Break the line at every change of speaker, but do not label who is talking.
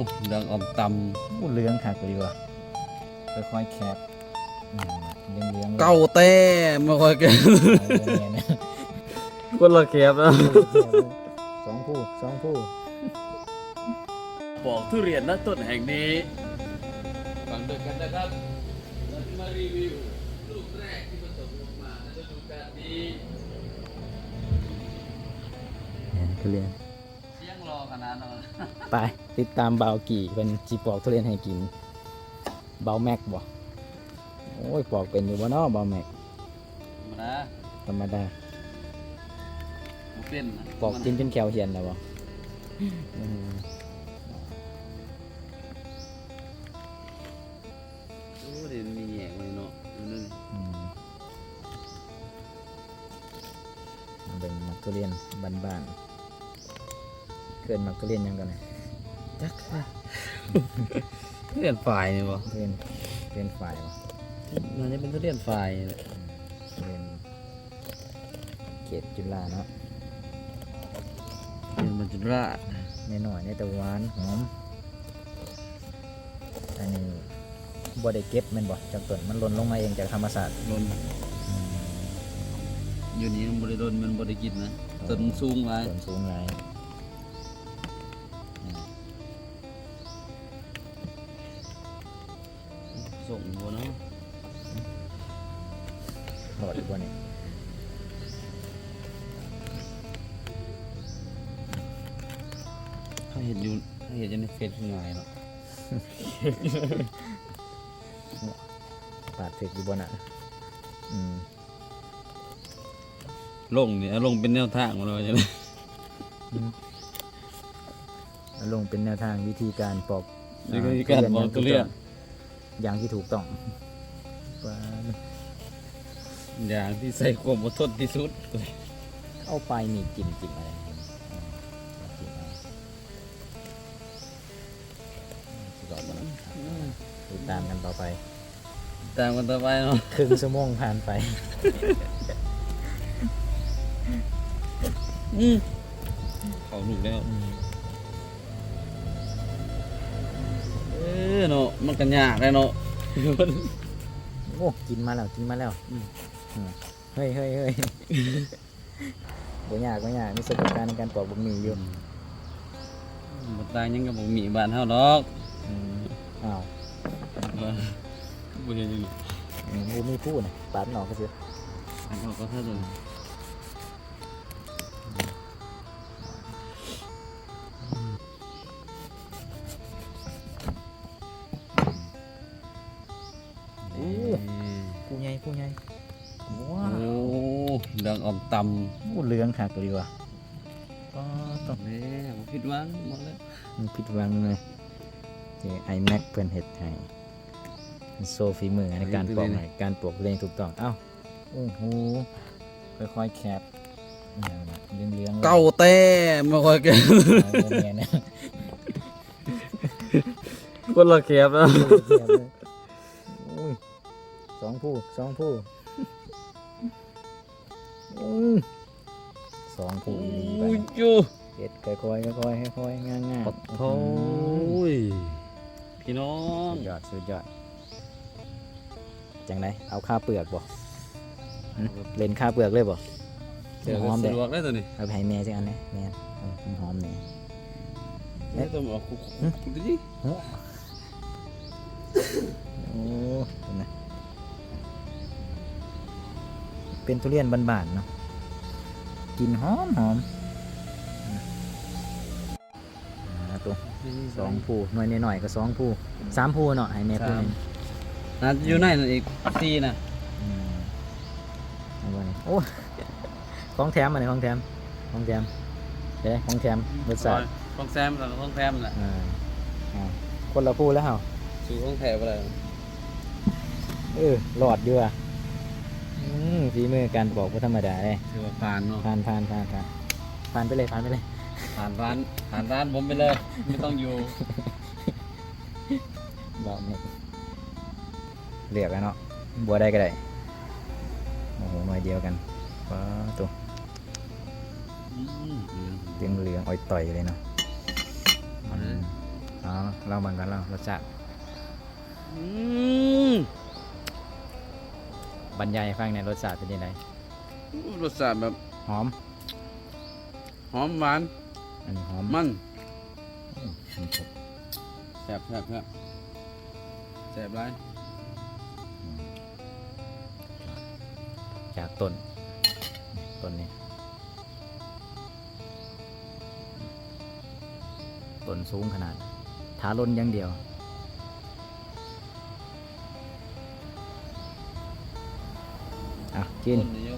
ดังอมต
พูดเรื่องคักเลยว่ะค่อยๆแคบเลี้ยง
ำเก้าเต้ไม่ค่อยเก่ง
เนี่ย
คนละแคบนะ
สองผู้
ปอกทุเรียนณต้นแห่งนี้ฟังด้วยกันนะครับเราจะมารีวิวลูกแรกที่ผสมลงมาในฤดูกาลนี้
ทุเรียน
เสียงรอขนาดนั้น
ไปติดตามเบากี่เป็นจีปอกทุเรียนให้กินเบาแม็กบ่โอ้ยปอกเป็นอยู่บ่เนาะเบาแม็ก
นะ
ธรรมดา
เป็น
ปอกกินจนแขวเหียนแล้วบ่
โอ้เดี๋ยวมีแหงเลยเนาะนั่น
เป็นมักทุเรียนบ้านๆเกินมักทุเรียนยังกันนะจัก
ทุเรียนฝ่ายนี่บ่
ทุเรียนฝ่ายวะ
มันจะเป็นทุเรียนฝ่าย
ทุเรียนเขตจุฬาเนาะ
เป็นมันจุราช
หน่อยในแต่หวานหอมอันนี้บ่ได้เก็บแม่นบ่จากต้นมันหล่นลงมาเองจากธรรมศาสตร์
ลนอยู่นี่มันบริโดนมันบริกินนะต้นสูงหลาย
ต้นสูงหลาย
ส่งบัวเนาะ
หลอดอีกบ่เนี่ย
ถ้าเห็นอยู่ในเฟซง่ายเนาะ
ปาดถึกอยู่บ่น่ะ
ลงเนี่ยลงเป็นแนวทางมาเลยใช่ไหม
ลงเป็นแนวทางวิธีการปอก
วิธีการปอกทุเรียน
อย่างที่ถูกต้อง
อย่างที่ใส่ความอดทนที่สุด
เอาไปมีจิ้มอะไรสุดยอดมันติดตามกันต่อไป
ตามกันต่อไปเนาะ
ครึ่งชั่วโมงผ่านไป
เขาหนุกแล้วเนาะมันกันยากเลยเนาะ
โอ้กินมาแล้วเฮ้ยบ่ยากมีประสบการณ์ในการปอกบะหมี่อยู่
มันตายยังกับผมมีบ้านเฮาดอก
อ้าว
บ่เห็นยัง
บูมีพูดนะปาดหนอกก็สิ
อันเขาก็เท่าเดิม
ผู้ใหญ่ว้า
โอ้ดังอมตำ
วเรื่องคักเลยว่ะก็ต้อง
แม่ผมผิดหวังหมดแล้ว
มันผิดหวังเลยไอแม็กเพื่อนเห็ดให้โซฟีมือในการปอกให้การปอกเรียงถูกต้องเอ้าโอ้โหค่อยๆแคบเลี้ยง
เก้าเต้ไม่ค่อยเก่ง
เนี่ยนะ
คนละแคบนะ
สองผู้สองผู้อีหลีไป
จู
เห็ดค่อยๆง่าย
ปัดโถ่พี่น้อง
สุดยอดจังไดเอาข้าวเปลือกบ่เล่นข้าวเปลือกเลยบ่
เดี๋ยว
หอม
สะ
เด้
ดวกได้ตัวนี้
เอาไปให้แม่สักอันนะแม่หอมเนี่ย
นี่ตัวบอกคุกดูดิ
โอ้เห็นไหมเป็นทุเรียนบ้านๆเนาะกินหอมตัวสองผู้หน่อยหน่อยก็สองผู้สามผู้เนาะให้แม่ผู้นึง
น่าจะอยู่ในนั่นอีกสี่นะ
เอาไว้โอ้ของแถมอะไรของแถมเด้ของแถมรสชาติ
ของแซมกับของแซมแหละ
คนละผู้แล้วเหรอ
สู่ของแถบอะไร
หลอดอยู่อ่ะฝีมือการบอกว่าธรรมดาเลย
ถือว่าผ่านเนาะ
ผ่านไปเลย
ผ่านร้านผมไปเลยไม่ต้องอยู่
บอกนี่เรียกแล้วเนาะบัวได้ก็ได้โอ้โหหน่วยเดียวกันว้าตัวเหลืองอ่อยต่อยเลยเนาะเอาเราเหมือนกันเรารสชาติ
อืม
บรรยายให้ฟังในอยรสชาติเป็นยังไง
รสชาติแบบ
หอม
หอมหวาน
อันนี้หอม
มัน
อืมครบ
แซ่บแซ่บไร
จากต้นนี้ต้นสูงขนาดถาล้นอย่างเดียวอ่ะกิน
ต้นนี่ยัง